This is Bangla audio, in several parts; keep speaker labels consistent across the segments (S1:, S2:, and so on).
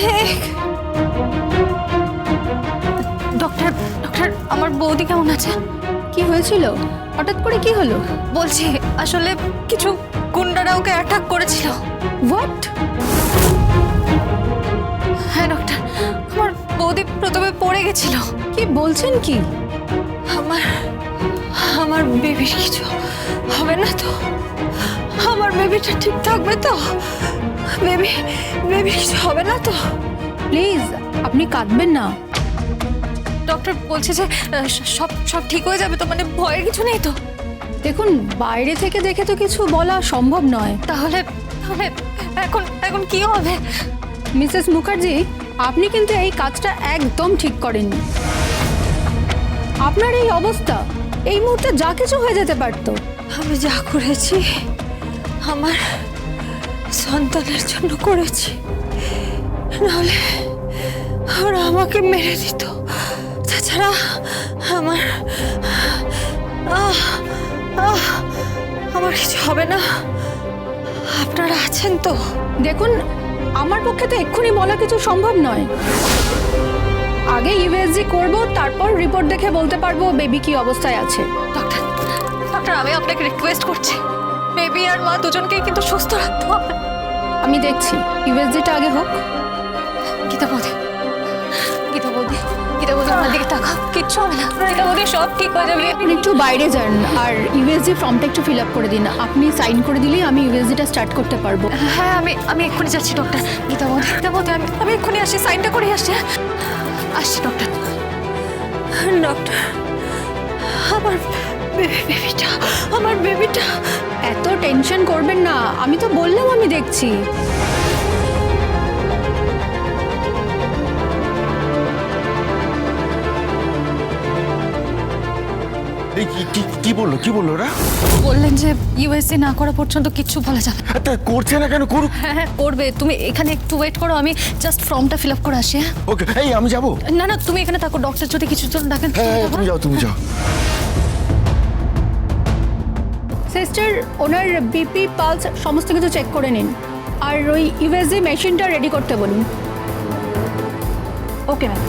S1: অভিষেক, ডক্টর ডক্টর আমার বৌদি কেমন আছে?
S2: কি হয়েছিল? হঠাৎ করে কি হলো?
S1: বলছি আসলে কিছু গুন্ডারা ওকে অ্যাটাক করেছিল।
S2: হোয়াট?
S1: হ্যাঁ ডক্টর, আমার বৌদি প্রথমে পড়ে গেছিল।
S2: কি বলছেন কি?
S1: আমার আমার বেবির কিছু হবে না তো? আমার বেবিটা ঠিক থাকবে তো? বেবি কিছু হবে না তো?
S2: প্লিজ আপনি কাঁদবেন না।
S1: ডক্টর বলছে যে সব সব ঠিক হয়ে যাবে তো, মানে ভয়ের কিছু নেই তো?
S2: দেখুন, বাইরে থেকে দেখে তো কিছু বলা সম্ভব নয়।
S1: তাহলে তাহলে এখন এখন কি হবে?
S2: মিসেস মুখার্জি, আপনি কিন্তু এই কাজটা একদম ঠিক করেননি। আপনার এই অবস্থা, এই মুহূর্তে যা কিছু হয়ে যেতে পারতো।
S1: আমি যা করেছি আমার সন্তানের জন্য করেছি, নাহলে ওরা আমাকে মেরে দিত। তাছাড়া আমার আমার কিছু হবে না। আপনারা আছেন তো?
S2: দেখুন, আমার পক্ষে তো এক্ষুনি বলা কিছু সম্ভব নয়। আগে ইউএসজি করব, তারপর রিপোর্ট দেখে বলতে পারবো বেবি কি অবস্থায় আছে।
S1: ডক্টর ডক্টর আমি আপনাকে রিকোয়েস্ট করছি, বেবি আর মা দুজনকেই কিন্তু সুস্থ রাখতে হবে।
S2: আমি দেখছি, ইউএসজিটা আগে হোক।
S1: গীতা বৌদি, গীতা বৌদি, গীতা বৌদি আমার দিকে তাকাও, কিচ্ছু হবে না। গীতা বৌদি সব ঠিক হয়ে যাবে।
S2: আপনি একটু বাইরে যান আর ইউএসজি ফর্মটা একটু ফিল আপ করে দিন। আপনি সাইন করে দিলেই আমি ইউএসজিটা স্টার্ট করতে পারবো।
S1: হ্যাঁ আমি এক্ষুনি যাচ্ছি ডক্টর। গীতা বৌদি, গীতা বৌদি, আমি এক্ষুনি আসছি, সাইনটা করে আসছি। আসছি ডক্টর। ডক্টর আমার বেবিটা, আমার বেবিটা।
S2: এত টেনশন করবেন না, আমি তো বললাম আমি দেখছি।
S3: এই কি বললো ওরা?
S1: বললেন যে ইউএসসি না করা পর্যন্ত কিচ্ছু বলা যাবে না।
S3: তা করছে না কেন? করুক।
S1: হ্যাঁ করবে, তুমি এখানে একটু ওয়েট করো, আমি জাস্ট ফর্মটা ফিল আপ করে আসি। হ্যাঁ
S3: ওকে, এই আমি যাবো।
S1: না তুমি এখানে থাকো, ডক্টর যদি কিছু জন্য ডাকেন।
S3: হ্যাঁ তুমি যাও।
S2: সিস্টার, ওনার বিপি পালস সমস্ত কিছু চেক করে নিন আর ওই ইউএসজি মেশিনটা রেডি করতে বলুন। Okay ma'am.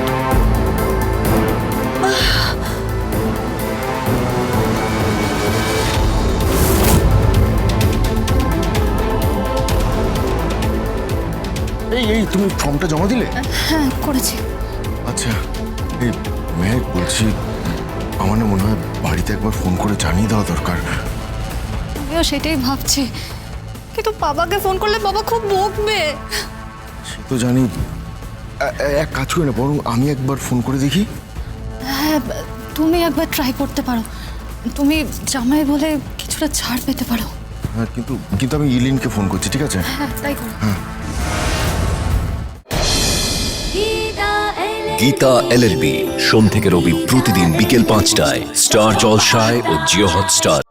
S3: এই তুমি ফর্মটা জমা দিলে?
S1: হ্যাঁ করেছি।
S3: আচ্ছা, এই মেয়ে বলছি, আমার না মনে হয় বাড়িতে একবার ফোন করে জানিয়ে দেওয়া দরকার।
S1: আমিও সেটাই ভাবছি, কিন্তু বাবাকে ফোন করলে বাবা খুব বকবে।
S3: সে তো জানি। এক কাজ করি না, বরং আমি একবার ফোন করে দেখি।
S1: হ্যাঁ তুমি একবার ট্রাই করতে পারো, তুমি জামাই বলে কিছুটা ছাড় পেতে পারো।
S3: হ্যাঁ, কিন্তু আমি ইলিনকে ফোন করছি, ঠিক আছে?
S1: হ্যাঁ তাই করো।
S4: গীতা এলএলবি সোম থেকে রবি প্রতিদিন বিকেল ৫টায় স্টার জলসায় ও জিও হটস্টার।